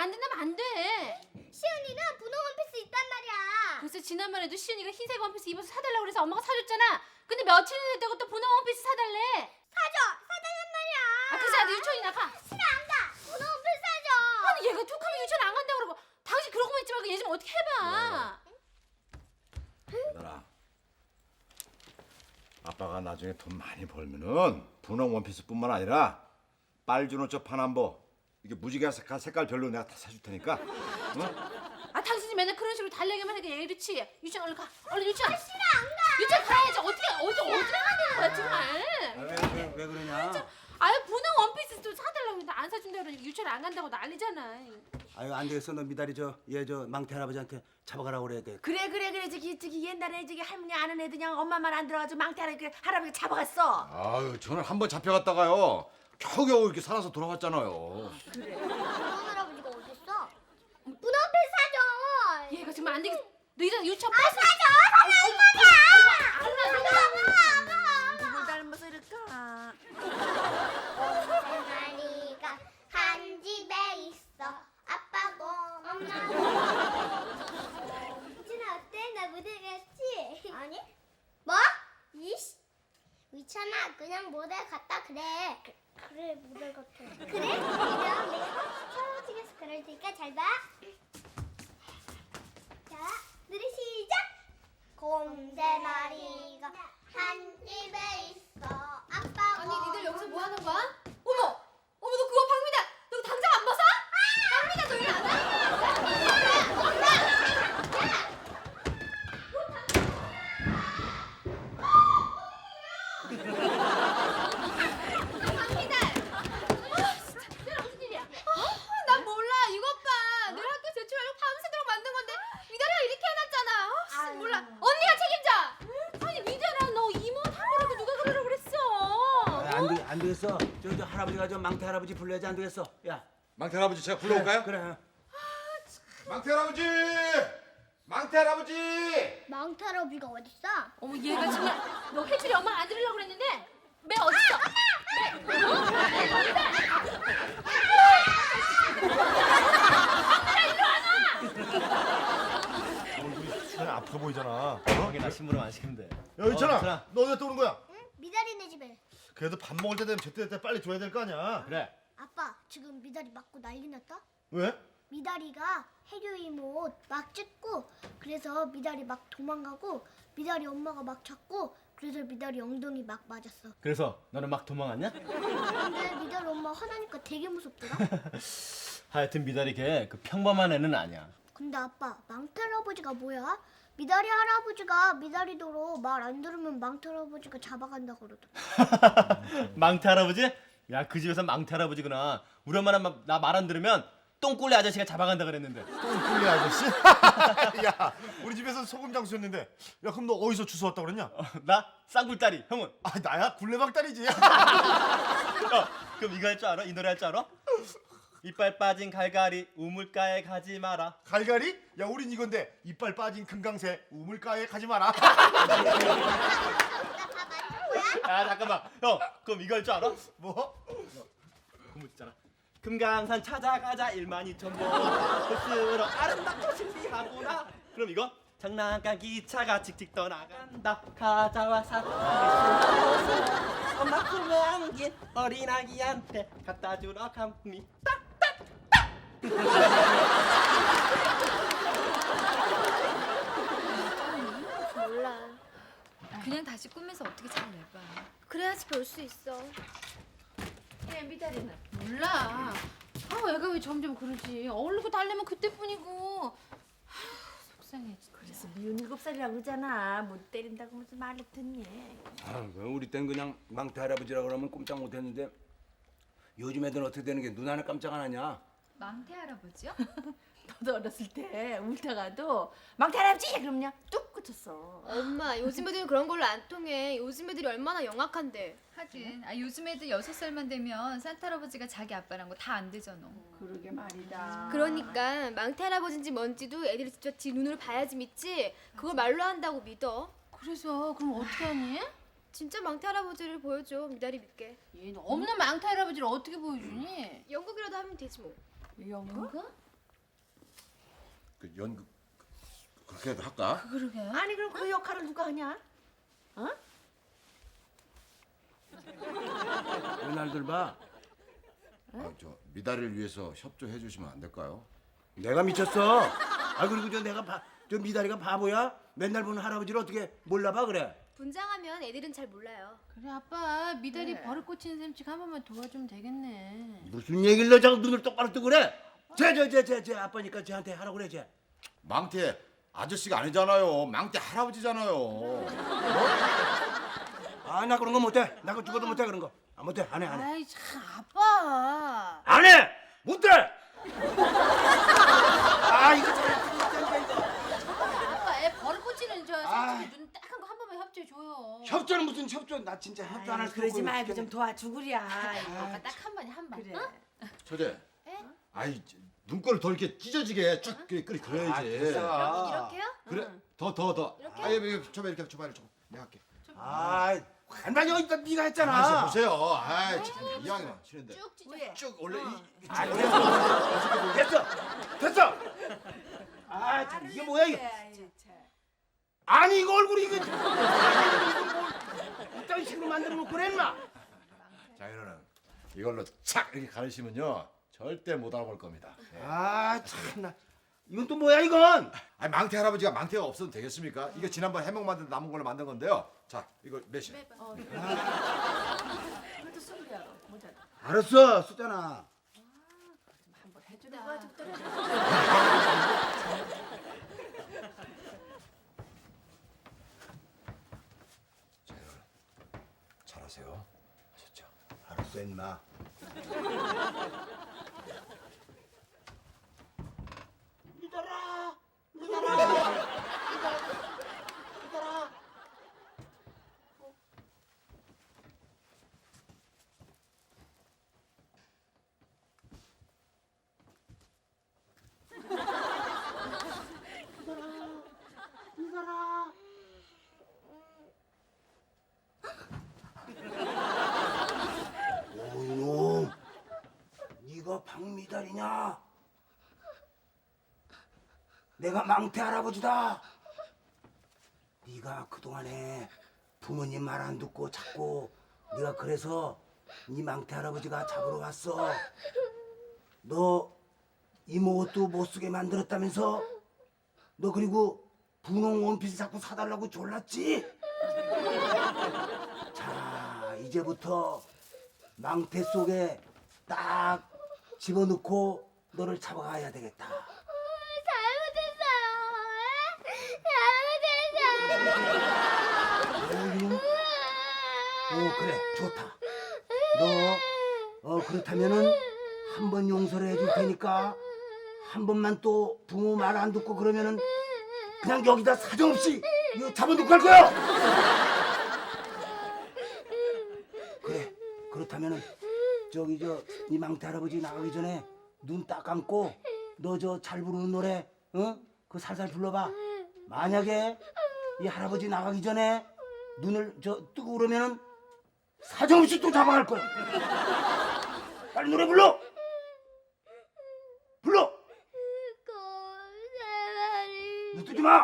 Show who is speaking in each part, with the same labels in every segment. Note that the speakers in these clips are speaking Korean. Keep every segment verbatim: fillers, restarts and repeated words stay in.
Speaker 1: 안 된다면 안 돼.
Speaker 2: 시은이는 분홍 원피스 있단 말이야.
Speaker 1: 글쎄 지난번에도 시은이가 흰색 원피스 입어서 사달라고 그래서 엄마가 사줬잖아. 근데 며칠이나 됐다고 또 분홍 원피스 사달래.
Speaker 2: 사줘, 사달란 말이야.
Speaker 1: 아 그래서 나도 유치원이나 가.
Speaker 2: 싫어, 안 가. 분홍 원피스 사줘.
Speaker 1: 아니 얘가 툭하면 유치원 안 간다고 그러고 당신 그러고만 있지 말고 얘 좀 어떻게 해봐.
Speaker 3: 얘들아, 아빠가 나중에 돈 많이 벌면은 분홍 원피스뿐만 아니라 빨주노 저 파남보 이게 무지개 색깔 색깔 별로 내가 다 사줄 테니까. 응?
Speaker 1: 아 당신이 맨날 그런 식으로 달래기만 하니까 얘 이렇지. 유치원 얼른 가. 얼른 유치원.
Speaker 2: 아, 싫어, 안 가.
Speaker 1: 유치원 가야지. 어떻게 어디 어디로 가는 거야 정말.
Speaker 4: 왜, 왜, 왜 그러냐?
Speaker 1: 아유 분홍 원피스 좀 사달라고 했는데 안 사준다 그러니까 유치원 안 간다고 난리잖아.
Speaker 4: 아유 안 되겠어. 너 미달이 저 얘 저 망태 할아버지한테 잡아가라고 그래야 돼.
Speaker 5: 그래 그래 그래 저기 저기 옛날에 저기 할머니 아는 애들 그냥 엄마 말 안 들어가지고 망태 할아버지 할아버지 잡아갔어.
Speaker 3: 아유, 저는 한 번 잡혀갔다가요 겨우겨우 이렇게 살아서 돌아왔잖아요.
Speaker 2: 분홍 할아버지가 어딨어? 분홍 원피스 사줘.
Speaker 1: 얘가 정말 안 되겠어. 너 이제 유치원
Speaker 2: 아, 사줘. 사줘, 이 말이야.
Speaker 5: 누굴 닮아서 이럴까?
Speaker 2: 마리가 한 집에 있어. 아빠고 엄마고. 이천아 어때? 나 모델 같지? 아니. 뭐? 이씨. 위천아 그냥 모델 같다 그래. 그래 모델 같아. 그래? 그럼 내가 촬영찍에서 그럴 테니까 잘 봐. 자, 노래 시작. 곰세 마리가 한 집에 있어. 아빠고.
Speaker 1: 아니 니들 여기서 뭐 하는 거야? 어머! 어머 너 그거 박미다! 너 당장 안 벗어? 박미다 너 일 안 해? 박미다! 아 진짜 내가 무슨 일이야? 어? 난 몰라 이것 봐 내가 학교 제출하려고 밤새도록 만든 건데 미달이가 이렇게 해놨잖아 어, 씨, 몰라 언니가 책임져! 아니 미달아 너 이모 탐으라고 누가 그러라고 그랬어?
Speaker 4: 아, 안, 되, 안 되겠어. 저, 저 할아버지가 저 망태 할아버지 불러야지. 안 되겠어. 야
Speaker 3: 망태 할아버지 제가 불러올까요?
Speaker 4: 그래.
Speaker 3: 망태 할아버지! 망태 할아버지!
Speaker 2: 망태 할아버지가 어딨어?
Speaker 1: 어머 얘가 정말 너 혜준이 엄마 안 들으려고 그랬는데 매 어딨어?
Speaker 6: 수현이 아파 보이잖아.
Speaker 7: 형이나 신부름 안 시키면 돼.
Speaker 6: 야, 있잖아.
Speaker 7: 어, 있잖아.
Speaker 6: 너 어디 갔다 오는 거야?
Speaker 2: 응? 미달이네 집에.
Speaker 6: 그래도 밥 먹을 때 되면 제때 때 빨리 줘야 될 거 아니야.
Speaker 7: 그래.
Speaker 2: 아빠 지금 미달이 맞고 난리 났다?
Speaker 6: 왜?
Speaker 2: 미달이가 혜교 이모 옷 막 찢고 그래서 미달이 막 도망가고 미달이 엄마가 막 잡고 그래서 미달이 엉덩이 막 맞았어.
Speaker 7: 그래서 너는 막 도망갔냐?
Speaker 2: 근데 미달 엄마 화나니까 되게 무섭더라.
Speaker 7: 하여튼 미달이 걔 그 평범한 애는 아니야.
Speaker 2: 근데 아빠 망태 할아버지가 뭐야? 미달이 할아버지가 미달이도로 말 안 들으면 망태 할아버지가 잡아간다 그러더라.
Speaker 7: 망태 할아버지? 야 그 집에서 망태 할아버지구나. 우리 엄마는 나 말 안 들으면 똥꼬리 아저씨가 잡아간다 그랬는데.
Speaker 6: 똥꿀리 아저씨? 야, 우리 집에서 소금 장수였는데. 야, 그럼 너 어디서 주워 왔다 그랬냐?
Speaker 7: 어, 나 쌍굴다리. 형은?
Speaker 6: 아, 나야 굴레박 딸이지.
Speaker 7: 어, 그럼 이거 할 줄 알아? 이 노래 할 줄 알아? 이빨 빠진 갈갈이 우물가에 가지 마라.
Speaker 6: 갈갈이? 야, 우린 이건데 이빨 빠진 금강새 우물가에 가지 마라.
Speaker 7: 야 잠깐만. 형 그럼 이거 할 줄 알아?
Speaker 6: 뭐?
Speaker 7: 그거 있잖아. 금강산 찾아가자 일만 이천 보 스스로 아름답고 신비하구나. 그럼 이거 장난감 기차가 칙칙 떠나간다. 가자와 사탕 엄마 품에 안긴 어린아기한테 갖다 주러 갑니다.
Speaker 2: 몰라.
Speaker 8: 그냥 다시 꿈에서 어떻게 잘 내봐.
Speaker 2: 그래야지 볼 수 있어.
Speaker 1: 얘 미달이는 몰라. 아 애가 왜 점점 그러지? 어울리고 달래면 그때뿐이고. 아휴, 속상해 진짜.
Speaker 5: 그래서 미운 일곱 살이라고 그러잖아. 못 때린다고 무슨 말을 듣니?
Speaker 4: 아, 우리 땐 그냥 망태 할아버지라 그러면 꼼짝 못했는데 요즘 애들은 어떻게 되는 게 눈 하나 깜짝 안 하냐?
Speaker 8: 망태 할아버지요?
Speaker 5: 너도 어렸을 때 울다가도 망태 할아버지 그럼요 뚝 그쳤어.
Speaker 9: 엄마 요즘 애들은 그런 걸로 안 통해. 요즘 애들이 얼마나 영악한데.
Speaker 8: 하긴 아, 요즘 애들 여섯 살만 되면 산타 할아버지가 자기 아빠란 거 다 안 되잖아.
Speaker 5: 그러게 말이다.
Speaker 9: 그러니까 망태 할아버지인지 뭔지도 애들이 직접 지 눈으로 봐야지 믿지. 그걸 말로 한다고 믿어.
Speaker 1: 그래서 그럼 어떻게 하니?
Speaker 9: 진짜 망태 할아버지를 보여줘. 미달이 믿게.
Speaker 1: 얘는 없는 망태 할아버지를 어떻게 보여주니?
Speaker 9: 연극이라도 하면 되지 뭐.
Speaker 5: 연극?
Speaker 3: 그 연극 그렇게라도 할까?
Speaker 5: 그러게. 아니 그럼 그 역할을 누가 하냐? 어?
Speaker 4: 왜 날들 봐?
Speaker 3: 아, 저 미다리를 위해서 협조해 주시면 안 될까요?
Speaker 4: 내가 미쳤어. 아 그리고 저 내가 바, 저 미다리가 바보야? 맨날 보는 할아버지를 어떻게 몰라봐 그래?
Speaker 9: 분장하면 애들은 잘 몰라요.
Speaker 1: 그래 아빠 미달이 버릇 고치는 셈씩 한 번만 도와주면 되겠네.
Speaker 4: 무슨 얘기를 너 자꾸 눈을 똑바로 뜨고 그래? 쟤쟤쟤쟤 아빠니까 쟤한테 하라고 그래 쟤.
Speaker 3: 망태 아저씨가 아니잖아요. 망태 할아버지잖아요.
Speaker 4: 아 나 그런 거 못해. 나 그거 죽어도 못해 그런 거. 아 못해 안 해 안 해.
Speaker 1: 아이 참 아빠.
Speaker 4: 안 해! 못해! 아 이거 참
Speaker 1: 아빠 애 버릇 고치는 저
Speaker 4: 아.
Speaker 1: 셈치기 눈 딱 한 거 한 번만 협조해 줘요.
Speaker 4: 협조는 무슨 협조? 나 진짜 협조 안 할 수 없고.
Speaker 5: 그러지 말고 좀 도와주구랴.
Speaker 1: 아빠 딱 한 번에 한 번.
Speaker 5: 그래.
Speaker 1: 어?
Speaker 3: 처제. 아이 눈꼴을 더 이렇게 찢어지게 쭉 끓이 끓이 그래야지.
Speaker 4: 아, 됐어.
Speaker 9: 이렇게요?
Speaker 3: 그래 더 더 더. 아예 이렇게 줘봐 이렇게 줘봐 이렇게. 내가 할게.
Speaker 4: 아, 반반 여기 있다 네가 했잖아.
Speaker 3: 가만있어 보세요. 아이 참 이왕이면 치는데.
Speaker 1: 쭉 찢어.
Speaker 5: 왜?
Speaker 3: 쭉 원래 이, 이
Speaker 4: 아, 됐어. 됐어. 됐어. 아, 참 이게 뭐야 이게? 아니 이거 얼굴이 이거 이거 뭘 이딴 식으로 만들어 놓고 그래 인마.
Speaker 3: 자 이거는 이걸로 착 이렇게 가르시면요 절대 못 알아볼 겁니다. 예.
Speaker 4: 아, 참나. 이건 또 뭐야 이건?
Speaker 3: 아니 망태 할아버지가 망태가 없어도 되겠습니까? 이게 지난번 해먹 만든 남은 걸로 만든 건데요. 자 이거 몇시?
Speaker 5: 그래도 숨겨. 모자.
Speaker 4: 알았어, 쓰잖아.
Speaker 5: 한번 해주는 거 좋더라.
Speaker 3: 잘하세요. 진짜.
Speaker 4: 알았어, 인마. 믿어라, 믿어라, 믿어라. 오 이놈, 네가 박미달이냐? 내가 망태 할아버지다. 네가 그동안에 부모님 말 안 듣고 자꾸 네가 그래서 네 망태 할아버지가 잡으러 왔어. 너 이모 옷도 못 쓰게 만들었다면서? 너 그리고 분홍 원피스 자꾸 사달라고 졸랐지? 자, 이제부터 망태 속에 딱 집어넣고 너를 잡아가야 되겠다.
Speaker 2: 잘못했어요.
Speaker 4: 어 그래 좋다. 너 어 그렇다면은 한 번 용서를 해줄 테니까 한 번만 또 부모 말 안 듣고 그러면은 그냥 여기다 사정없이 이거 잡아놓고 갈 거야. 그래 그렇다면은 저기 저 이 망태 할아버지 나가기 전에 눈 딱 감고 너 저 잘 부르는 노래 어? 그거 살살 불러봐. 만약에 이 할아버지 나가기 전에 눈을 저 뜨고 그러면은 사정없이 또 잡아갈 거야. 빨리 노래 불러. 불러. 눈 뜨지 마.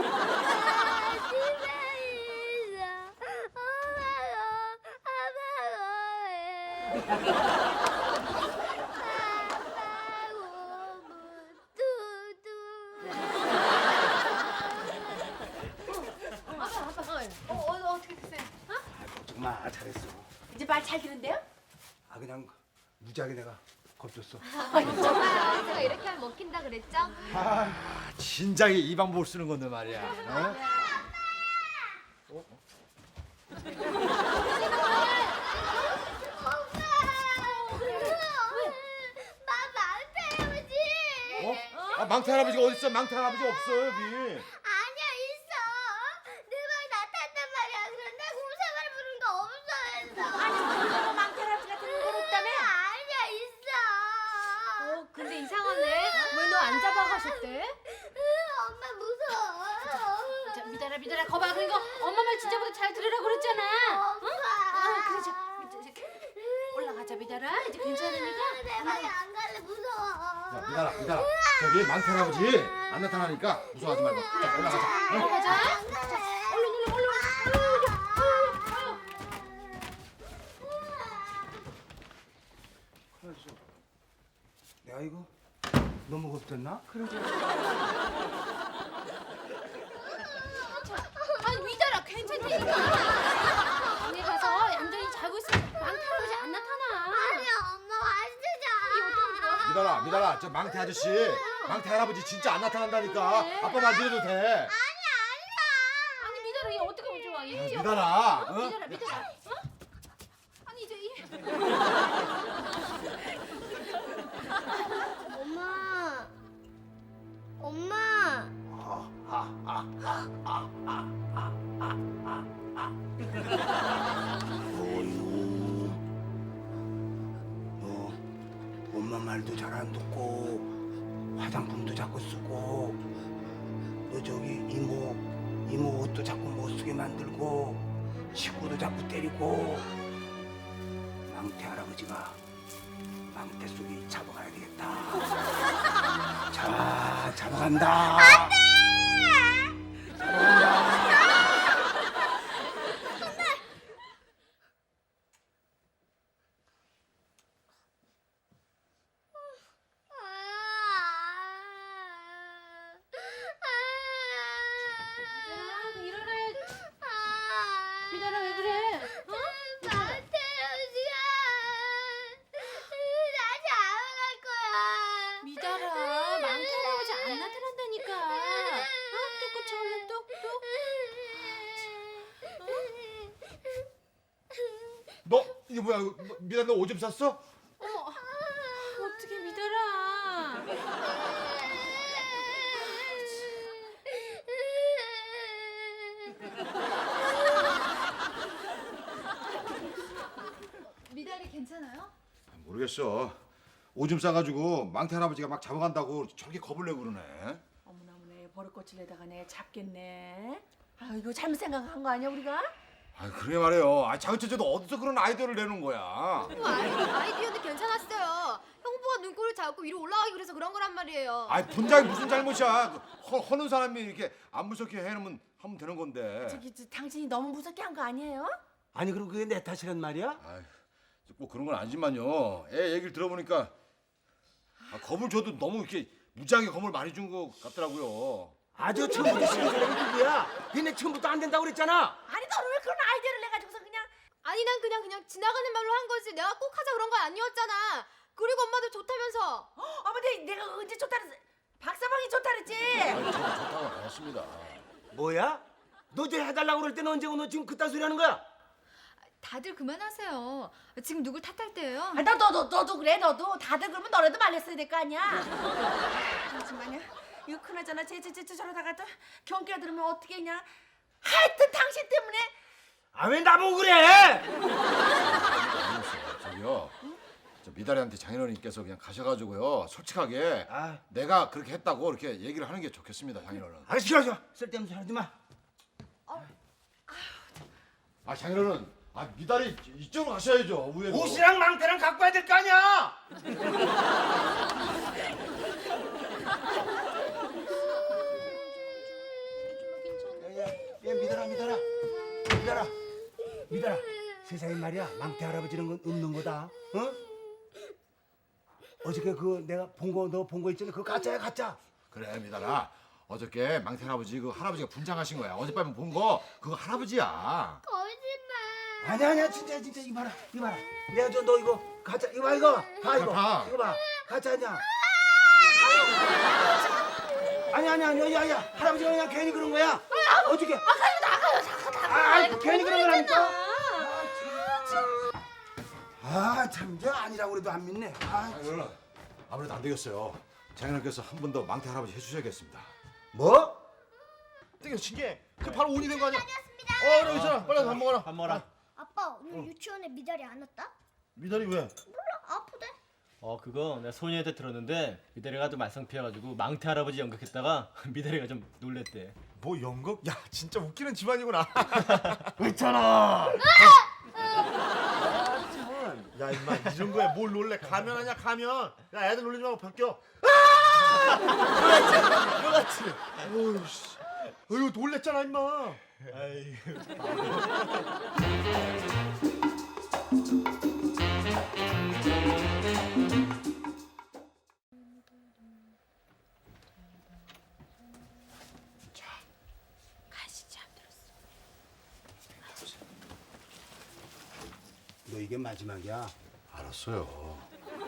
Speaker 1: 어, 어, 어 어떻게 됐어요?
Speaker 4: 걱정 마 잘했어.
Speaker 5: 이제 말 잘 듣는데요?
Speaker 4: 아 그냥 무지하게 내가 겁줬어.
Speaker 9: 정말 제가 이렇게 하면 먹힌다 그랬죠?
Speaker 3: 아, 진작에 이 방법을 쓰는 건데 말이야. 어? 어? 아, 망태 할아버지가 어디 있어? 망태 할아버지 없어 여기.
Speaker 2: 아니야 있어. 내 방에 나타났단 말이야. 그런데 공사가를 부르는 거 없어 했어.
Speaker 5: 아니 너가 망태 할아버지 같은 건 없다며?
Speaker 2: 아니야 있어.
Speaker 9: 어 근데 이상하네. 왜 너 안 잡아가셨대?
Speaker 2: 으, 엄마 무서워.
Speaker 1: 자, 미달아 미달아 거봐 그리고 엄마 말 진짜보다 잘 들으라고 그랬잖아.
Speaker 2: 엄마.
Speaker 1: 아 그래 자, 자, 자, 올라가자 미달아.
Speaker 5: 미달아 이제 괜찮으니까.
Speaker 2: 내 방에 안 갈래 무서워.
Speaker 3: 야 미달아 미달아 저기 망태 할아버지 안 나타나니까 무서워하지 말고 자 올라가자. 응?
Speaker 2: 올라가자. 안 갈래. 얼른 얼른 얼른.
Speaker 4: 내가 이거 너무 겁됐나?
Speaker 1: 아니 미달아 괜찮다니까. 방에 가서 얌전히 자고 있으면 망태 할아버지 안 나타나.
Speaker 2: 아니야 엄마 완전히.
Speaker 3: 미달아 미달아 저 망태 아저씨 망태 할아버지 진짜 안 나타난다니까 아빠 말 믿어도 돼.
Speaker 1: 아니 미달아 얘 어떻게 하면 좋아? 얘
Speaker 3: 미달아 어?
Speaker 1: 미달아 미달아. 어? 아니 이제 이
Speaker 2: 엄마. 엄마.
Speaker 4: 어이구, 너 엄마 말도 잘 안 듣고 화장품도 자꾸 쓰고 너 저기 이모 이모 옷도 자꾸 못 쓰게 만들고 식구도 자꾸 때리고 망태 할아버지가 망태 속에 잡아가야 되겠다. 자, 잡아간다. 안돼.
Speaker 1: 미달아 왜 그래? 어?
Speaker 2: 망태로지야. 나 잡아갈 거야.
Speaker 1: 미달아 망태 할아버지 안 나타난다니까. 어? 뚝뚝 쳐올려 뚝뚝.
Speaker 3: 너 이게 뭐야 너, 미달 너 오줌 쌌어?
Speaker 1: 어머 어떻게 미달아?
Speaker 8: 미달이 괜찮아요?
Speaker 3: 모르겠어. 오줌 싸가지고 망태 할아버지가 막 잡아간다고 저렇게 겁을 내고 그러네.
Speaker 5: 어머나 어머나 버릇꽃을 내다가 내 잡겠네. 아 이거 잘못 생각한 거 아니야 우리가?
Speaker 3: 아 그래 말이에요. 아 자그체제도 어디서 그런 아이디어를 내는 거야.
Speaker 9: 뭐 아이, 아이디어도 괜찮았어요. 형부가 눈꼬를 잡고 위로 올라가기 그래서 그런 거란 말이에요.
Speaker 3: 아 분장이 무슨 잘못이야. 그 허, 허는 사람이 이렇게 안 무섭게 해놓으면 하면 되는 건데.
Speaker 5: 저기 저, 당신이 너무 무섭게 한 거 아니에요?
Speaker 4: 아니 그럼 그게 내 탓이란 말이야?
Speaker 3: 아이, 꼭 그런 건 아니지만요. 애 얘기를 들어보니까 아, 겁을 줘도 너무 이렇게 무지하게 겁을 많이 준 것 같더라고요.
Speaker 4: 아주 처음부터 신경을 누구야? 니네 처음부터 안 된다고 그랬잖아.
Speaker 5: 아니 너는 왜 그런 아이디어를 내가지고서 그냥
Speaker 9: 아니 난 그냥 그냥 지나가는 말로 한 거지. 내가 꼭 하자 그런 건 아니었잖아. 그리고 엄마도 좋다면서.
Speaker 5: 어머 내, 내가 언제 좋다 그랬어? 박사방이 좋다 그랬지?
Speaker 3: 아니, 저도 좋다고 안 했습니다.
Speaker 4: 뭐야? 너 저 해달라고 그럴 때는 언제고 너 지금 그딴 소리 하는 거야?
Speaker 8: 다들 그만하세요. 지금 누굴 탓할 때예요?
Speaker 5: 아, 너, 너, 너, 너도 그래 너도 다들 그러면 너네도 말렸어야 될 거 아니야. 잠시만요. 이거 그나저나 쟤쟤쟤 저러다가 또 경기가 들으면 어떻게 했냐. 하여튼 당신 때문에.
Speaker 4: 아 왜 나보고 그래?
Speaker 3: 저기요. 저 미달이한테 장인어른께서 그냥 가셔가지고요. 솔직하게
Speaker 4: 아,
Speaker 3: 내가 그렇게 했다고 이렇게 얘기를 하는 게 좋겠습니다, 장인어른.
Speaker 4: 아 싫어 싫어. 쓸데없는 소리 하지 마.
Speaker 3: 아 장인어른, 아 미달이 이쪽으로 가셔야죠. 위에로.
Speaker 4: 옷이랑 망태랑 갖고 와야 될 거 아니야. 야, 야, 야, 미달아, 미달아, 미달아, 미달아. 세상에 말이야, 망태 할아버지는 건 없는 거다. 어? 어저께 그 내가 본 거 너 본 거 있잖아. 그거 가짜야 가짜.
Speaker 3: 그래 미달아. 어저께 망태 할아버지 그 할아버지가 분장하신 거야. 어젯밤에 본 거 그거 할아버지야.
Speaker 2: 거짓말.
Speaker 4: 아니야 아니야 진짜 진짜 이거 봐라 이거 봐라. 내가 저 너 이거 가짜 이거 봐 이거 봐 이거
Speaker 3: 봐.
Speaker 4: 이거 봐 가짜 아니야. 아니 아니 아니 야야 할아버지가 그냥 괜히 그런 거야. 어저께. 아가요 나가요 잠깐 나가. 아 괜히 그런 거라니까. 아참 저 아니라고 그래도 안 믿네. 아
Speaker 3: 장인어른, 아무래도 안 되겠어요. 장인어른께서 한 번 더 망태 할아버지 해주셔야겠습니다.
Speaker 4: 뭐?
Speaker 6: 되게 신기해. 그 바로 온이 된 거 아니야? 어 그래 있잖아. 빨리 밥 먹어라.
Speaker 7: 밥 먹어라.
Speaker 2: 아빠 오늘 유치원에 미달이 안 왔다?
Speaker 6: 미달이 왜?
Speaker 2: 몰라 아프대.
Speaker 7: 어 그거 내가 소녀한테 들었는데 미달이가 좀 말썽 피워가지고 망태 할아버지 연극했다가 미달이가 좀 놀랬대.
Speaker 6: 뭐 연극? 야 진짜 웃기는 집안이구나.
Speaker 4: 있잖아.
Speaker 6: 야 임마 이런 거에 뭘 놀래? 가면 하냐 가면. 야 애들 놀리지 말고 벗겨. 그렇지. 어이씨. 어이구 놀랬잖아 임마. 아이.
Speaker 4: 너 이게 마지막이야.
Speaker 3: 알았어요.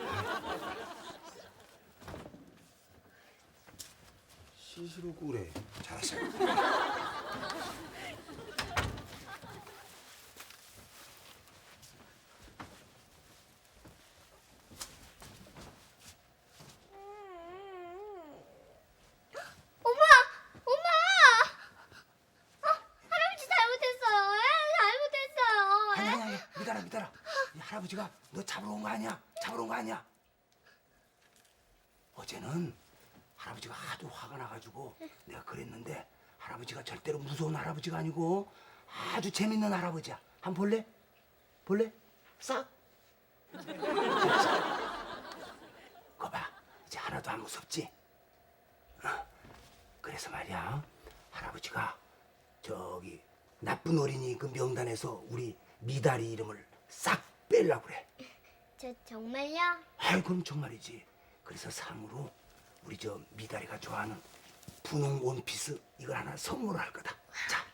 Speaker 4: 시시루고 그래.
Speaker 3: 잘했어요.
Speaker 2: 엄마! 엄마! 어, 할아버지 잘못했어요. 에? 잘못했어요.
Speaker 4: 아니
Speaker 2: 에?
Speaker 4: 아니 아니 믿어라 믿어라. 이 할아버지가 너 잡으러 온 거 아니야? 잡으러 온 거 아니야? 어제는 할아버지가 하도 화가 나가지고 내가 그랬는데 할아버지가 절대로 무서운 할아버지가 아니고 아주 재밌는 할아버지야. 한번 볼래? 볼래? 싹. 거봐 이제 하나도 안 무섭지? 어. 그래서 말이야 할아버지가 저기 나쁜 어린이 그 명단에서 우리 미다리 이름을 싹 빼려고 그래.
Speaker 2: 저 정말요?
Speaker 4: 아이 그럼 정말이지. 그래서 상으로 우리 저 미다리가 좋아하는 분홍 원피스 이걸 하나 선물할 거다. 자,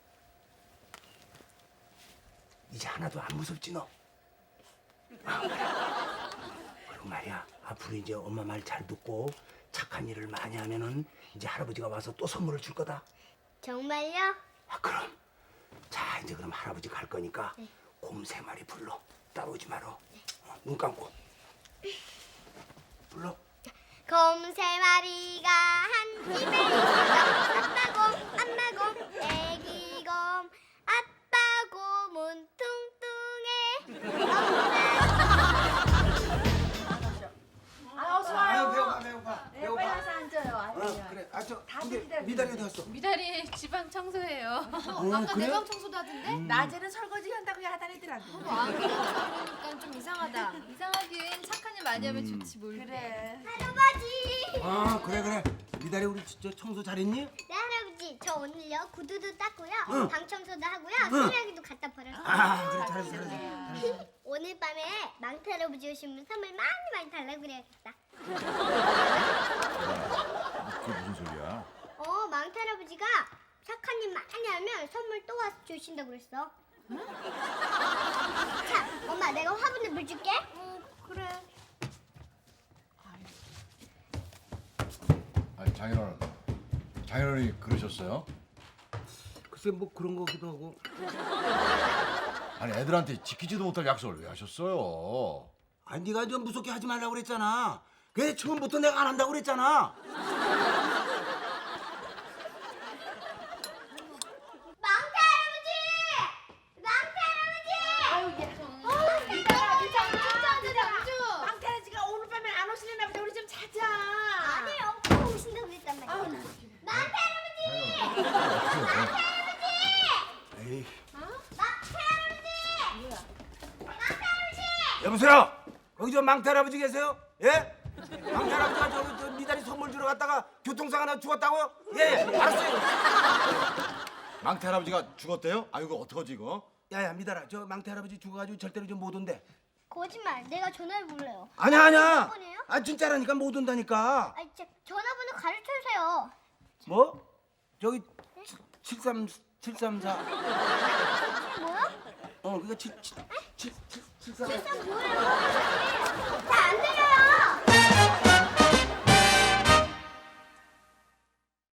Speaker 4: 이제 하나도 안 무섭지 너? 아, 그래. 그리고 말이야 앞으로 이제 엄마 말 잘 듣고 착한 일을 많이 하면은 이제 할아버지가 와서 또 선물을 줄 거다.
Speaker 2: 정말요?
Speaker 4: 아 그럼 자 이제 그럼 할아버지 갈 거니까 곰 세 마리 불러. 따라오지 마라. 어, 눈 감고 불러.
Speaker 2: 곰 세 마리가 한 집에 있어. 아빠곰, 엄마곰, 애기곰. 아빠곰은 뚱뚱해.
Speaker 5: 아 어서
Speaker 4: 아유
Speaker 5: 와요.
Speaker 4: 배고파 배고파
Speaker 5: 네, 빨리 와서 앉아요. 아유,
Speaker 4: 어 그래 아저
Speaker 5: 다들
Speaker 4: 근데
Speaker 5: 기다리고
Speaker 4: 미달이 어디 갔어?
Speaker 8: 미달이 지방 청소해요.
Speaker 4: 어,
Speaker 9: 아까
Speaker 4: 그래?
Speaker 9: 내방 청소도 하던데?
Speaker 5: 낮에는 설거지 한다고 하다니더라고.
Speaker 9: 안 그러니까 좀 이상하다.
Speaker 8: 이상하긴 착한 일 많이 하면 좋지 뭘.
Speaker 5: 그래.
Speaker 2: 할아버지.
Speaker 4: 아 그래 그래 미달이 우리 저 청소 잘했니?
Speaker 2: 네 할아버지 저 오늘요 구두도 닦고요.
Speaker 4: 응.
Speaker 2: 방 청소도 하고요.
Speaker 4: 응.
Speaker 2: 쓰레기도 갖다 버렸어요.
Speaker 4: 아 그래 잘했어 잘했어.
Speaker 2: 오늘 밤에 망태 할아버지 오시면 선물 많이 많이 달라고 그래야겠다.
Speaker 3: 그게 무슨 소리야?
Speaker 2: 어, 망태 할아버지가 착한 일 많이 하면 선물 또 와서 주신다고 그랬어. 자, 엄마 내가 화분에 물 줄게. 어, 그래.
Speaker 3: 아니 장인어른, 장인어른이 그러셨어요?
Speaker 4: 글쎄 뭐 그런 거기도 하고.
Speaker 3: 아니 애들한테 지키지도 못할 약속을 왜 하셨어요?
Speaker 4: 아니 네가 좀 무섭게 하지 말라고 그랬잖아. 그래 처음부터 내가 안 한다고 그랬잖아.
Speaker 2: 망태 할아버지! 망태 할아버지!
Speaker 5: 아유 얘.
Speaker 2: 어, 미달아, 장주, 장주.
Speaker 5: 황태아지가 오늘 밤에 안 오시려나 보다. 우리 좀 자자.
Speaker 2: 아니에요, 꼭 오신다고 그랬단 말이야. 망태 할아버지!
Speaker 4: 에이.
Speaker 2: 망태 할아버지! 망태 할아버지!
Speaker 4: 여보세요. 거기 저 망태 할아버지 계세요? 예? 망태 할아버지가 저, 저 미달이 선물 주러 갔다가 교통사고 나 죽었다고요? 예, 예 알았어요.
Speaker 3: 망태 할아버지가 죽었대요? 아 이거 어떡하지 이거?
Speaker 4: 야야 미달아 저 망태 할아버지 죽어가지고 절대로 좀 못 온대.
Speaker 2: 거짓말, 내가 전화해 볼래요.
Speaker 4: 아니야 아니야.
Speaker 2: 번이에요?
Speaker 4: 아 진짜라니까 못 온다니까.
Speaker 2: 아, 진짜 전화번호 가르쳐 주세요.
Speaker 4: 뭐? 저기 칠삼 칠삼사.
Speaker 2: 뭐야?
Speaker 4: 어 그거 칠칠칠칠칠삼.
Speaker 2: 진짜 뭐예요? 잘 안 들려.